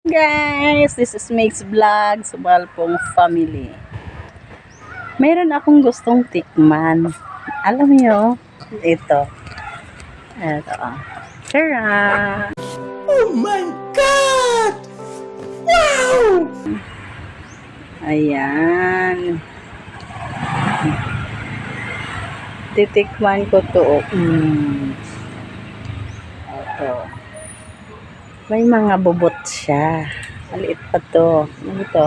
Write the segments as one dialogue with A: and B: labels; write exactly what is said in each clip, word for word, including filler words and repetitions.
A: Guys, this is Mates Vlog, Subalpong Family. Meron akong gustong tikman. Alam niyo, ito. Ito. Tara!
B: Oh my God! Wow!
A: Ayan. Titikman ko to. Mm. Ito. May mga bubot siya. Maliit pa to. Ano ito?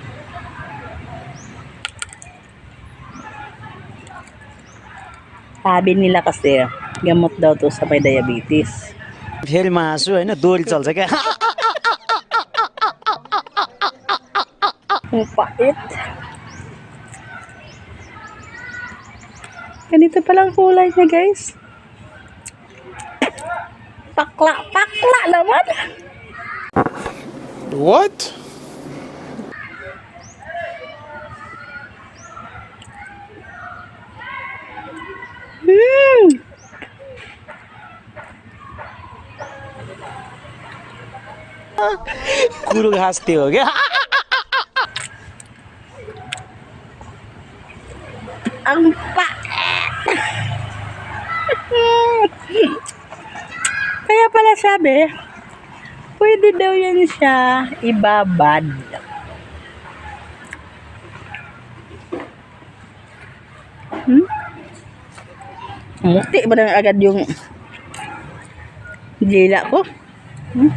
A: Sabi nila kasi, gamot daw to sa may diabetes.
B: फेरि मासु हैन दोरी चल्छ क्या
A: Ang pait. Ganito palang kulay niya, guys. Pakla, pakla naman.
B: What?
A: Hmm.
B: कुरो घाँस त्यो हो क्या
A: Ang pait. Kaya pala sabi, pwede daw yan siya ibabad. Hmm? Muti ba na agad yung dila ko? Hmm?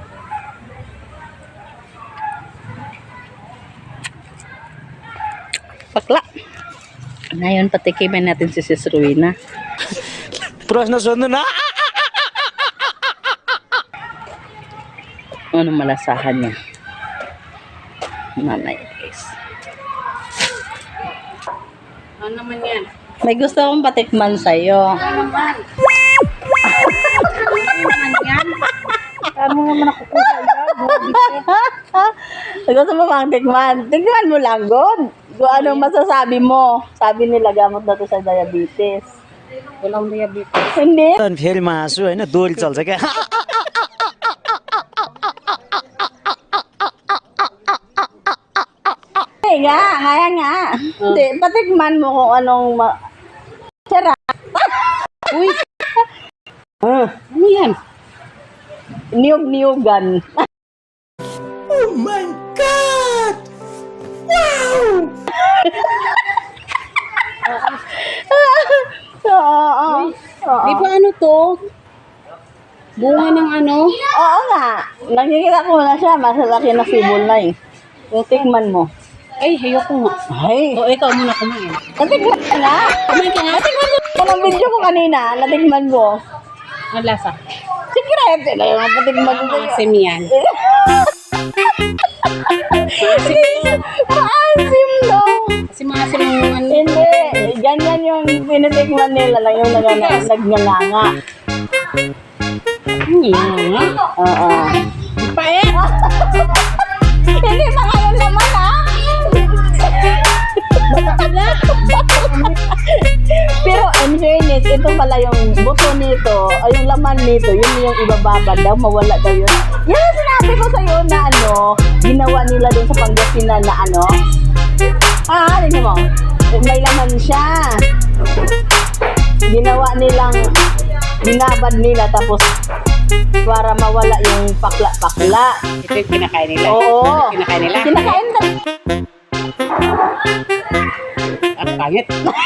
A: Pakla. Ngayon patikimin natin si Sis Ruina.
B: प्रश्न सोध्नु न
A: Ano malasahan niya? Mamaya, guys.
C: Ano naman yan?
A: May gusto akong patikman sa'yo.
C: Ano naman? Ano naman yan? Ano naman nakukuha yan?
A: Gusto mo bang tikman? Tikman mo lang, God. Kung anong masasabi mo. Sabi nila gamot na to sa diabetes.
C: Walang diabetes.
A: Hindi.
B: फेरि मासु हैन दोरी चल्छ क्या
A: Hindi nga, kaya nga. Hindi, patikman mo kung anong ma... Sarap.
C: Uy!
A: Ah,
C: Ano yan?
A: niyog-niyogan.
B: Oh my God! Wow!
A: Oo. Oo.
C: Di ba ano to? Bunga ng ano?
A: Oo nga. Nakikita ko na siya. Masalaki na sibol na eh. Tikman mo.
C: Ay, ayoko nga.
A: Ay.
C: O, ikaw muna kumain.
A: Natikman ka nga.
C: Kumain ka nga?
A: Natikman mo ang video ko kanina. Natikman mo.
C: Ang lasa.
A: Secret. Ito yung natikman ko.
C: Maasim yan. Maasim to.
A: Maasim no.
C: Kasi maasim yung ano.
A: Hindi. Ganyan yung pinitikman nila lang yung nag- nagnganga.
C: Ano yan? Ha?
A: Oo.
C: Paet!
A: Hindi pa kayo naman ha. Pero in fairness, ito pala yung buto nito, ay yung laman nito, yun yung ibababad daw, mawala daw yun. Yan ang sinabi ko sa'yo na ano, ginawa nila dun sa Pangasinan na ano. Ah, tingnan mo, may laman siya. Ginawa nilang, binabad nila tapos para mawala yung pakla-pakla.
C: Ito yung kinakain nila.
A: Oo.
C: Kinakain nila.
A: Kinakain ka.
C: Ang pangit.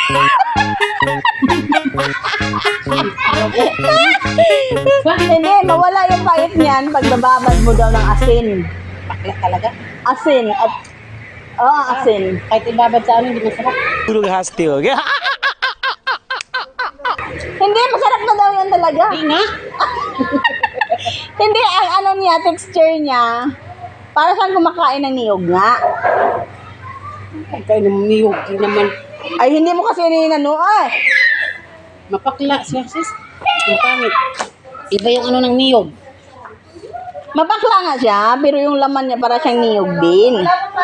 A: Hindi, mawala yung pait niyan pag nababad mo daw ng asin.
C: Bakla talaga.
A: Asin. At, oo, asin.
C: Kahit ibabad sa ano, hindi masarap.
B: कुरो घाँस त्यो हो क्या
A: Hindi, masarap na daw yan talaga.
C: Hindi nga.
A: Hindi, ang ano niya, texture niya, para siyang kumakain ng niyog nga.
C: Ang kain ng niyog. Di naman.
A: Ay, hindi mo kasi ninano, ay.
C: Mapakla siya, sis. Ang pangit. Iba yung ano ng niyog.
A: Mapakla nga siya, pero yung laman niya para siyang niyog din.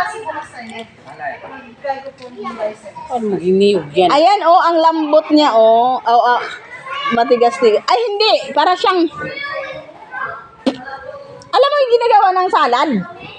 C: Ano maging niyog yan?
A: Ayan, oh, ang lambot niya, oh. Oh, oh. Matigas-tigas. Ay, hindi. Para siyang Alam mo yung ginagawa ng salad?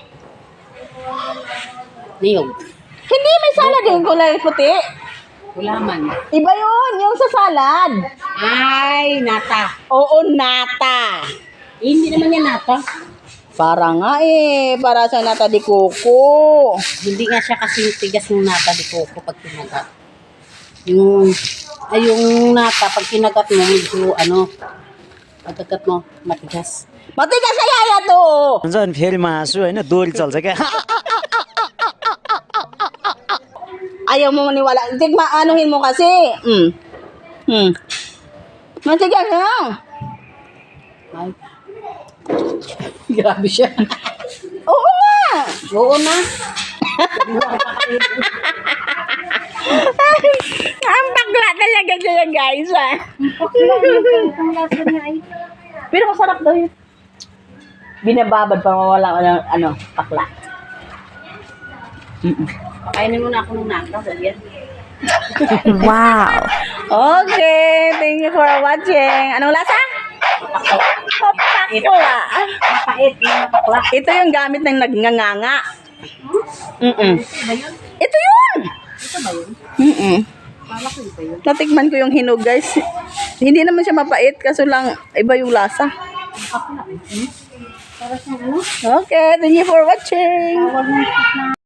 C: Niyog.
A: Hindi, may salad yung kulay puti.
C: Gulaman.
A: Iba yun, yung sa salad.
C: Ay, nata.
A: Oo, nata.
C: Eh, hindi naman yan nata.
A: Para nga eh, para sa nata di coco.
C: Hindi nga siya kasing tigas ng nata di coco pag kinagat. Yung, ay yung nata, pag kinagat mo, medyo ano, pagkagat mo, matigas.
A: Matigas sa yaya to.
B: हुन्छ अनि फेरि मासु होइन दोरी चल्छ क्या
A: Ayaw mo maniwala. Tigma, anuhin mo kasi. Mm. Hmm. Matigas lang.
C: Ay. Grabe siya.
A: Oo nga.
C: Oo na.
A: Ang bakla talaga siya guys ah.
C: Ang lasa niya ay.
A: Pero masarap daw yun. Binababad pa mawala ng ano, pakla.
C: Pakainin mo na ako ng nata. Sabihan.
A: Wow. Okay, thank you for watching. Anong lasa? Papakla.
C: Mapait. Yung mapakla.
A: Ito yung gamit ng nagnganganga. Mm-mm.
C: Ba yun?
A: Ito yun.
C: Ito ba yun?
A: Mm-mm.
C: Kala ko iba yun.
A: Natikman ko yung hinog guys. Hindi naman siya mapait kaso lang iba yung lasa.
C: Mapakla. Hmm? Para siyang ano?
A: Okay, thank you for watching.
C: Tawag ng